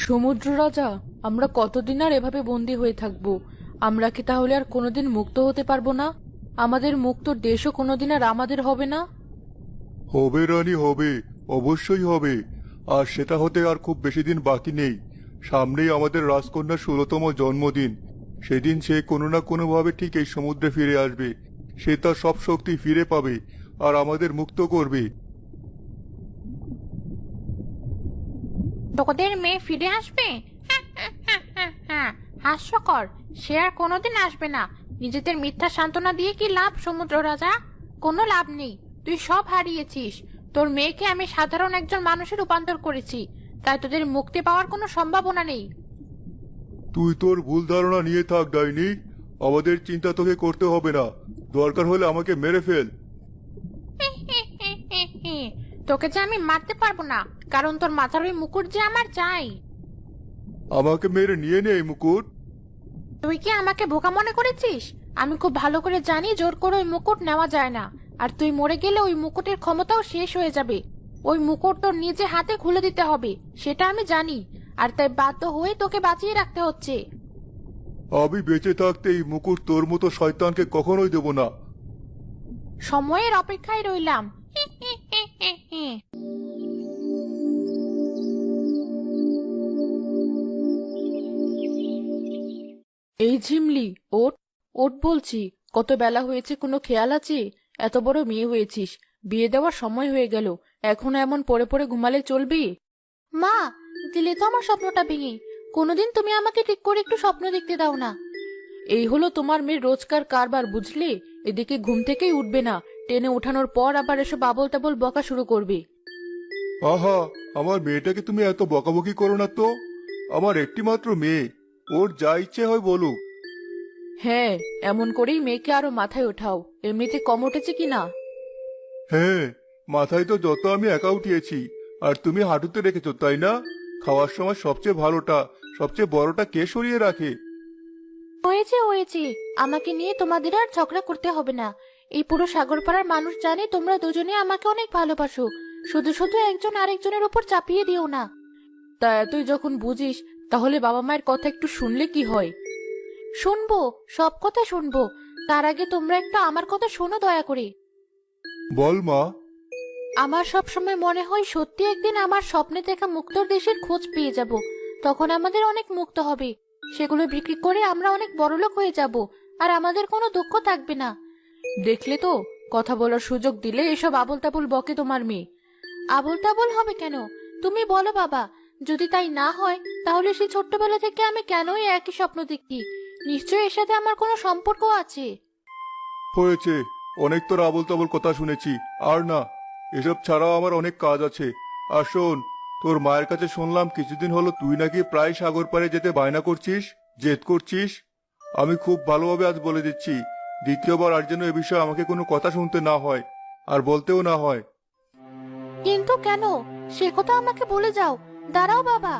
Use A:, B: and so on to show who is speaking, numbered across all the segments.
A: সমুদ্র রাজা, আমরা কতদিন আর এভাবে বন্দী হয়ে থাকবো? আমরা কি তাহলে আর কোনোদিন মুক্ত হতে পারবো না? আমাদের মুক্ত দেশও কোনোদিন আর আমাদের হবে না?
B: হবে রানী, হবে। অবশ্যই হবে। আর সেটা হতে আর খুব বেশি দিন বাকি নেই। সামনেই আমাদের রাজকন্যার 16তম জন্মদিন। সেদিন সে কোনো না কোনোভাবে ঠিক এই সমুদ্রে ফিরে আসবে। সে তার সব শক্তি ফিরে পাবে আর আমাদের মুক্ত করবে।
C: তোদের মেয়ে ফিরে আসবে? হাস্যকর। সে আর কোনোদিন আসবে না। নিজেদের মিথ্যা সান্ত্বনা দিয়ে কি লাভ সমুদ্র রাজা? কোনো লাভ নেই। তুই সব হারিয়েছিস। তোর মেয়েকে আমি সাধারণ একজন মানুষে রূপান্তর করেছি, তাই তোদের মুক্তি পাওয়ার কোনো সম্ভাবনা নেই।
B: তুই তোর ভুল ধারণা নিয়ে থাক ডাইনি। আমাদের চিন্তা তোকে করতে হবে না। দরকার হলে আমাকে মেরে ফেল।
C: তোকে যে আমি মারতে পারবো না, কারণ তোর মাথার ওই মুকুট যে আমার চাই।
B: আমাকে মেরে নিয়ে নে এই মুকুট।
C: তুই কি আমাকে বোকা মনে করেছিস? আমি খুব ভালো করে জানি জোর করে ওই মুকুট নেওয়া যায় না। আর তুই মরে গেলে ওই মুকুটের ক্ষমতাও শেষ হয়ে যাবে। ওই মুকুট তোর নিজে হাতে খুলে দিতে হবে, সেটা আমি জানি। আর তাই বাধ্য হয়ে তোকে বাঁচিয়ে রাখতে হচ্ছে।
B: আমি বেঁচে থাকতে এই মুকুট তোর মতো শয়তানকে কখনোই দেব না।
C: সময়ের অপেক্ষায় রইলাম।
A: এই ঝিমলি, ওঠ ওঠ বলছি। কত বেলা হয়েছে, কোনো খেয়াল আছে? এত বড় মেয়ে হয়েছিস, বিয়ে দেওয়ার সময় হয়ে গেল, এখন এমন পড়ে পড়ে ঘুমালে চলবে?
C: মা, দিলে তো আমার স্বপ্নটা ভেঙে। কোনোদিন তুমি আমাকে ঠিক করে একটু স্বপ্ন দেখতে দাও না।
A: এই হলো তোমার মেয়ের রোজকার কারবার, বুঝলে? এদিকে ঘুম থেকেই উঠবে না, টেনে ওঠানোর পর আবার এসব আবল তাবল বকা শুরু করবে।
B: আহা, আমার মেয়েটাকে তুমি এত বকাবকি করো না তো। আমার একটি মাত্র মেয়ে, ওর যা ইচ্ছে হয় বলুক।
A: হ্যাঁ, এমন করেই মেয়েকে আরো মাথায় ওঠাও। এমনিতে কম উঠেছে কিনা?
B: হ্যাঁ, মাথায় তো যত আমি একা উঠিয়েছি, আর তুমি হাঁটুতে রেখেছো, তাই না? খাওয়ার সময় সবচেয়ে ভালোটা, সবচেয়ে বড়টা কে সরিয়ে রাখে?
C: হয়েছে হয়েছে, আমাকে নিয়ে তোমাদের আর ঝগড়া করতে হবে না। এই পুরো সাগরপাড়ার মানুষ জানে তোমরা দুজনে আমাকে অনেক ভালোবাসো। শুধু শুধু একজন আরেকজনের উপর চাপিয়ে দিও না।
A: তা এতই যখন বুঝিস, তাহলে বাবা মায়ের কথা একটু শুনলে কি হয়?
C: শুনবো, সব কথা শুনবো। তার আগে তোমরা একটু আমার কথা শোনো দয়া করে।
B: বল মা।
C: আমার সব সময় মনে হয় সত্যি একদিন আমার স্বপ্নে দেখা মুক্তোর দেশের খোঁজ পেয়ে যাব। তখন আমাদের অনেক মুক্ত হবে। সেগুলো বিক্রি করে আমরা অনেক বড়লোক হয়ে যাব। আর আমাদের কোনো দুঃখ থাকবে না।
A: দেখলে তো, কথা বলার সুযোগ দিলে এসব আবল তাবল বকে তোমার মেয়ে।
C: আবোল তাবোল হবে কেন? তুমি বলো বাবা। যদি তাই না হয়, তাহলে সেই ছোট্টবেলা থেকে আমি কেনই একই স্বপ্ন দেখি? নিশ্চয়ই এর সাথে আমার কোনো সম্পর্ক আছে।
B: হয়েছে, অনেক তোর আবল তাবল কথা শুনেছি। আর না, এসব ছাড়াও আমার অনেক কাজ আছে। আর শোন, তোর মায়ের কাছে শুনলাম কিছুদিন হলো তুই নাকি প্রায় সাগর পাড়ে যেতে বায়না করছিস, জেদ করছিস। আমি খুব ভালোভাবে আজ বলে দিচ্ছি, দ্বিতীয়বার আর যেন এ বিষয়ে আমাকে কোনো কথা শুনতে না হয়, আর বলতেও না হয়।
C: কিন্তু কেন? সে কথা আমাকে বলে যাও। দাঁড়াও বাবা।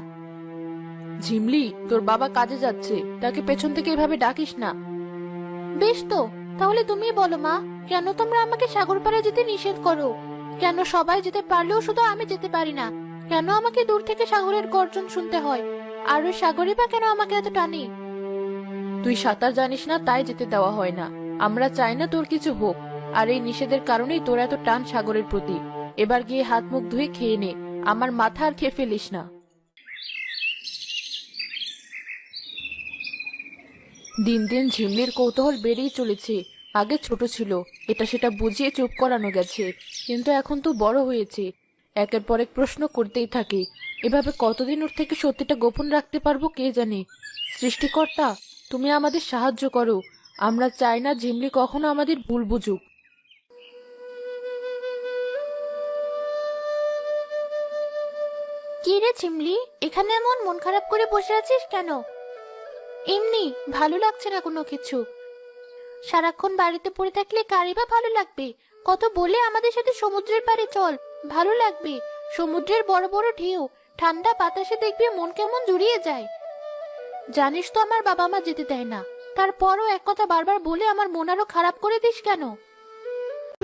A: ঝিমলি, তোর বাবা কাজে যাচ্ছে, তাকে পেছন থেকে এভাবে ডাকিস না।
C: বেশ তো, তাহলে তুমি বলো মা, কেন তোমরা আমাকে সাগর পাড়ে যেতে নিষেধ করো? কেন সবাই যেতে পারলেও শুধু আমি যেতে পারি না? কেন আমাকে দূর থেকে সাগরের গর্জন শুনতে হয়? আর ওই সাগরই বা কেন আমাকে এত টানে?
A: তুই সাঁতার জানিস না, তাই যেতে দেওয়া হয় না। আমরা চাই না তোর কিছু হোক, আর এই নিষেধের কারণেই তোর এত টান সাগরের প্রতি। এবার গিয়ে হাত মুখ ধুয়ে খেয়ে নে, আমার মাথা আর খেয়ে ফেলিস না। দিন দিন ঝিমলির কৌতূহল বেড়েই চলেছে। আগে ছোট ছিল, এটা সেটা বুঝিয়ে চুপ করানো গেছে, কিন্তু এখন তো বড় হয়েছে, একের পর এক প্রশ্ন করতেই থাকে। এভাবে কতদিন ওর থেকে সত্যিটা গোপন রাখতে পারবো কে জানে। সৃষ্টিকর্তা, তুমি আমাদের সাহায্য করো। আমরা চাই না ঝিমলি কখনো আমাদের ভুল বুঝুক।
C: কি রে চিমলি, এখানে এমন মন খারাপ করে বসে আছিস কেন? এমনি ভালো লাগছে না কোনো কিছু। সারাক্ষণ বাড়িতে পড়ে থাকলে কারই বা ভালো লাগবে? কত বলে আমাদের সাথে সমুদ্রের পাড়ে চল, ভালো লাগবে। সমুদ্রের বড় বড় ঢেউ, ঠান্ডা বাতাসে দেখবি মন কেমন জুড়িয়ে যায়। জানিস তো আমার বাবা মা যেতে দেয় না, তারপরও এক কথা বারবার বলে আমার মন আরো খারাপ করে দিস কেন?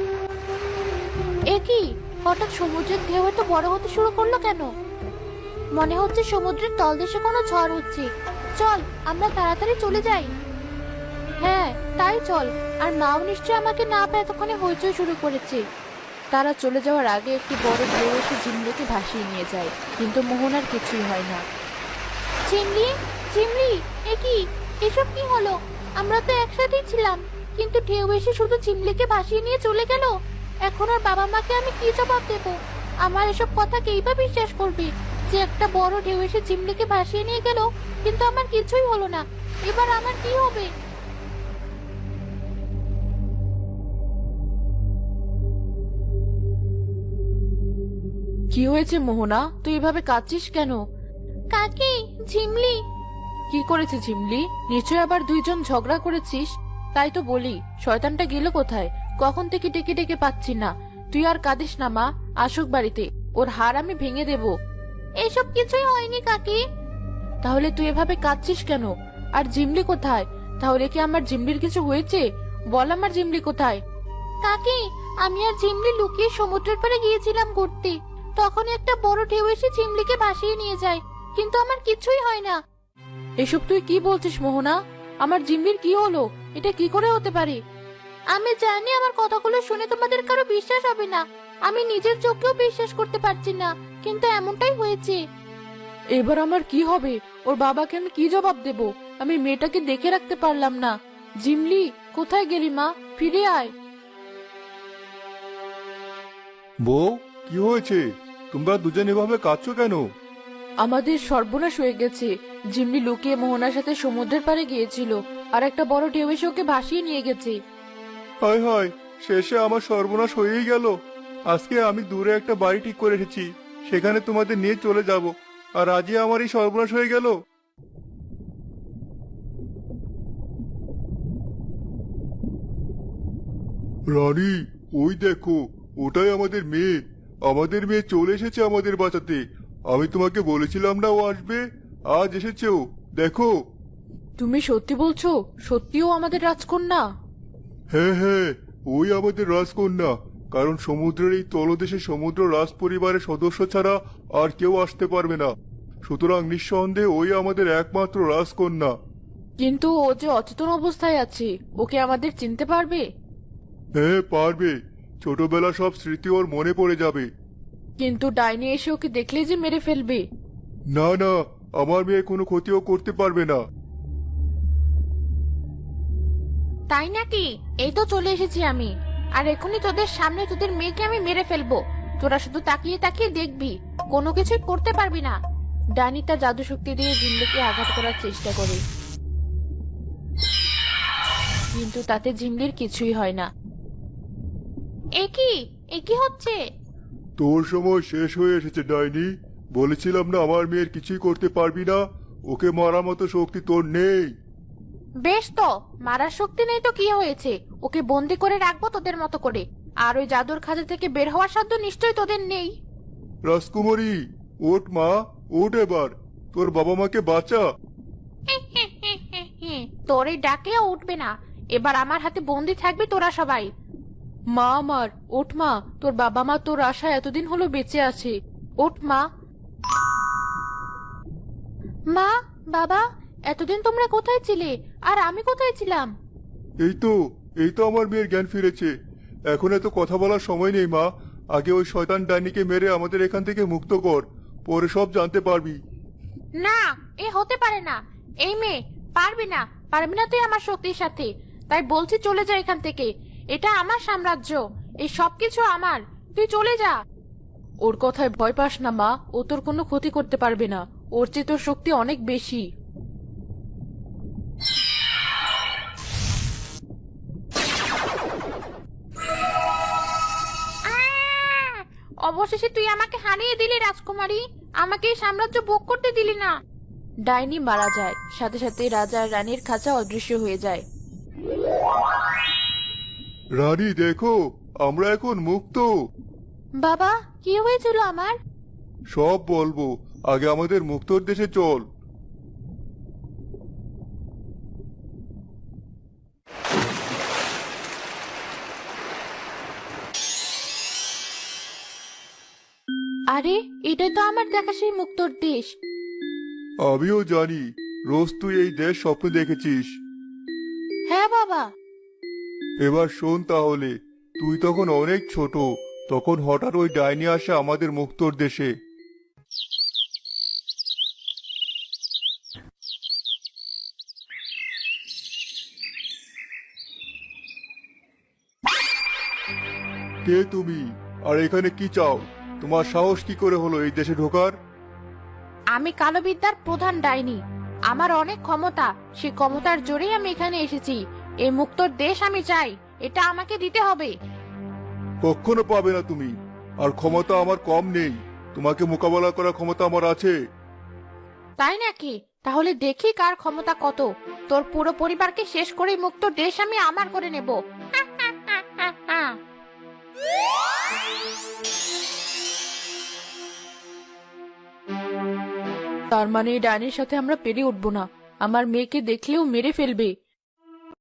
C: এ কি, হঠাৎ সমুদ্রের ঢেউ এত বড় হতে শুরু করলো কেন? মনে হচ্ছে সমুদ্রের তলদেশে কোনো ঝড় হচ্ছে। চল আমরা তাড়াতাড়ি চলে যাই। হ্যাঁ তাই চল। আর মাও নিশ্চয় আমাকে না পেয়ে এতক্ষণে হইচই শুরু করেছে।
A: তারা চলে যাওয়ার আগে একটি বড় ঢেউ এসে ঝিমলিকে ভাসিয়ে নিয়ে যায়, কিন্তু মোহনার কিছুই হয় না।
C: চিমলি, চিমলি, এ কি? এসব কি হলো? আমরা তো একসাথেই ছিলাম, কিন্তু ঢেউ এসে শুধু চিমলিকে ভাসিয়ে নিয়ে চলে গেল। এখন ওর বাবা মাকে আমি কি জবাব দেব? আমার এসব কথা কেই বা বিশ্বাস করবে যে একটা বড় ঢেউ এসে চিমলিকে ভাসিয়ে নিয়ে গেল, কিন্তু আমার কিছুই হলো না। এবার আমার কি হবে?
A: কি হয়েছে মোহনা, তুই এভাবে কাঁদছিস কেন?
C: কাকি, ঝিমলি।
A: কি করেছে ঝিমলি? নিশ্চয় আবার দুইজন ঝগড়া করেছিস। তাই তো বলি, শয়তানটা গেল কোথায়? কখন থেকে ডেকে ডেকে পাচ্ছি না। তুই আর কাঁদিস না মা, আসুক বাড়িতে, ওর হাড় আমি ভেঙে দেব।
C: এসব কিছুই হয়নি কাকি।
A: তাহলে তুই এভাবে কাঁদছিস কেন? আর ঝিমলি কোথায়? তাহলে কি আমার ঝিমলির কিছু হয়েছে? বল আমার ঝিমলি কোথায়?
C: কাকি, আমি আর ঝিমলি লুকিয়ে সমুদ্রের পাড়ে গিয়েছিলাম ঘুরতে। তখন একটা বড় ঢেউ এসে ঝিমলিকে ভাসিয়ে নিয়ে যায়, কিন্তু আমার কিছুই হয় না।
A: এসব তুই কি বলছিস মোহনা? আমার ঝিমলির কি হলো? এটা কি করে হতে পারে?
C: আমি জানি আমার কথাগুলো শুনে তোমাদের কারো বিশ্বাস হবে না। আমি নিজের চোখেও বিশ্বাস করতে পারছি না, কিন্তু এমনটাই হয়েছে।
A: এবার আমার কি হবে? ওর বাবাকে আমি কি জবাব দেব? আমি মেয়েটাকে দেখে রাখতে পারলাম না। জিমলি, কোথায় গেলি মা? ফিরে আয়।
B: বউ, কি হয়েছে? তোমরা দুজন এভাবে কাঁদছো কেন?
A: আমাদের সর্বনাশ হয়ে গেছে। জিমলি লুকিয়ে মোহনার সাথে সমুদ্রের পাড়ে গিয়েছিল, আর একটা বড় ঢেউ এসে ওকে ভাসিয়ে নিয়ে গেছে।
B: হায় হায়, শেষে আমার সর্বনাশ হয়েই গেল। আজকে আমি দূরে একটা বাড়ি ঠিক করে এসেছি, সেখানে তোমাদের নিয়ে চলে যাব, আর আজই আমার এই সর্বনাশ হয়ে গেল। রানী, ওই দেখো, ওটাই আমাদের মেয়ে। আমাদের মেয়ে চলে এসেছে আমাদের বাঁচাতে। আমি তোমাকে বলেছিলাম না ও আসবে, আজ এসেছে ও, দেখো।
A: তুমি সত্যি বলছো? সত্যিও আমাদের রাজকন্যা?
B: হ্যাঁ হ্যাঁ, ওই আমাদের রাজকন্যা। কারণ সমুদ্রের এই তলদেশে সমুদ্র রাজ পরিবারের সদস্য ছাড়া আর কেউ আসতে পারবে না। সুতরাং নিঃসন্দেহে ওই আমাদের একমাত্র রাজকন্যা।
A: কিন্তু ও যে অচেতন অবস্থায় আছে, ওকে আমাদের চিনতে পারবে?
B: হ্যাঁ পারবে, ছোটবেলা সব স্মৃতি ওর মনে পড়ে যাবে।
A: কিন্তু ডাইনি এসে ওকে দেখলে যে মেরে ফেলবে।
B: না না, আমার মেয়ে কোনো ক্ষতিও করতে পারবে না।
C: তাই নাকি? এই তো চলে এসেছি আমি, আর এখনই তোদের সামনে তোদের মেয়েকে আমি মেরে ফেলবো। তোরা শুধু তাকিয়ে তাকিয়ে দেখবি, কোনো কিছুই করতে পারবি না।
A: ডাইনি তার জাদু শক্তি দিয়ে জিমলিকে আঘাত করার চেষ্টা করে, কিন্তু তাতে জিমলির কিছুই হয় না।
C: এ কি? এ কি হচ্ছে?
B: তোর সময় শেষ হয়ে এসেছে ডাইনি। বলেছিলাম না আমার মেয়ের কিছুই করতে পারবি না। ওকে মারার মতো শক্তি তোর নেই।
C: বেশ তো, মারার শক্তি নেই তো কি হয়েছে? ওকে বন্দি করে রাখবো তোদের মতো করে। আর ওই জাদুর খাঁচা থেকে বের হওয়ার সাধ্য নিশ্চয়ই তোদের নেই।
B: রাজকুমারী, ওঠ মা, ওঠ এবার। তোর বাবা মাকে বাঁচা।
C: তোর এই ডাকেও উঠবে না। এবার আমার হাতে বন্দি থাকবে তোরা সবাই।
A: মা আমার, ওঠ মা, তোর বাবা মা তোর আশা এতদিন হলো বেঁচে আছে। ওঠ মা।
C: মা, বাবা, এতদিন তোমরা কোথায় ছিলে? আর আমি কোথায় ছিলাম?
B: এই তো, এই তো আমার মেয়ের জ্ঞান ফিরেছে। এখন এত কথা বলার সময় নেই মা। আগে ওই শয়তান ডাইনিকে মেরে আমাদের এখান থেকে মুক্ত কর, পরে সব জানতে পারবি।
C: না, এ হতে পারে না। এই মেয়ে, পারবি না, পারবি না তুই আমার শক্তির সাথে। তাই বলছি চলে যা এখান থেকে। এটা আমার সাম্রাজ্য, এই সবকিছু আমার। তুই চলে যা।
A: ওর কথায় ভয় পাস না মা, ও তোর কোনো ক্ষতি করতে পারবে না। ওর চেয়ে তোর শক্তি অনেক বেশি।
C: অবশেষে তুই আমাকে হারিয়ে দিলি রাজকুমারী। আমাকে এই সাম্রাজ্য ভোগ করতে দিলি না।
A: ডাইনি মারা যায়, সাথে সাথে রাজা আর রানীর খাঁচা অদৃশ্য হয়ে যায়।
B: রানী দেখো, আমরা এখন মুক্ত।
C: বাবা, কি হয়েছিল আমার?
B: সব বলবো, আগে আমাদের মুক্তর দেশে চল।
C: আরে এটাই তো আমার দেখা সেই মুক্তোর দেশ।
B: আমিও জানি, রোজ তুই এই দেশ স্বপ্ন দেখেছিস।
C: হ্যাঁ বাবা।
B: এবার শোন তাহলে, তুই তখন অনেক ছোট, তখন হঠাৎ ওই ডাইনি আসে আমাদের মুক্তোর দেশে। কে তুমি, আর এখানে কি চাও? তোমার সাহস কি করে হলো এই দেশে ঢোকার?
C: আমি কালো বিদ্যার প্রধান ডাইনি। আমার অনেক ক্ষমতা, সেই ক্ষমতার জোরেই আমি এখানে এসেছি। এই মুক্তোর দেশ আমি চাই, এটা আমাকে দিতে হবে।
B: কখনো পাবে না তুমি, আর ক্ষমতা আমার কম নেই। তোমাকে মোকাবেলা করার ক্ষমতা আমার আছে।
C: তাই নাকি? তাহলে দেখি কার ক্ষমতা কত। তোর পুরো পরিবারকে শেষ করে মুক্তোর দেশ আমি আমার করে নেব।
A: তার মানে এই ডাইনির সাথে আমরা পেরে উঠবো না, আমার মেয়েকে দেখলেও মেরে ফেলবে।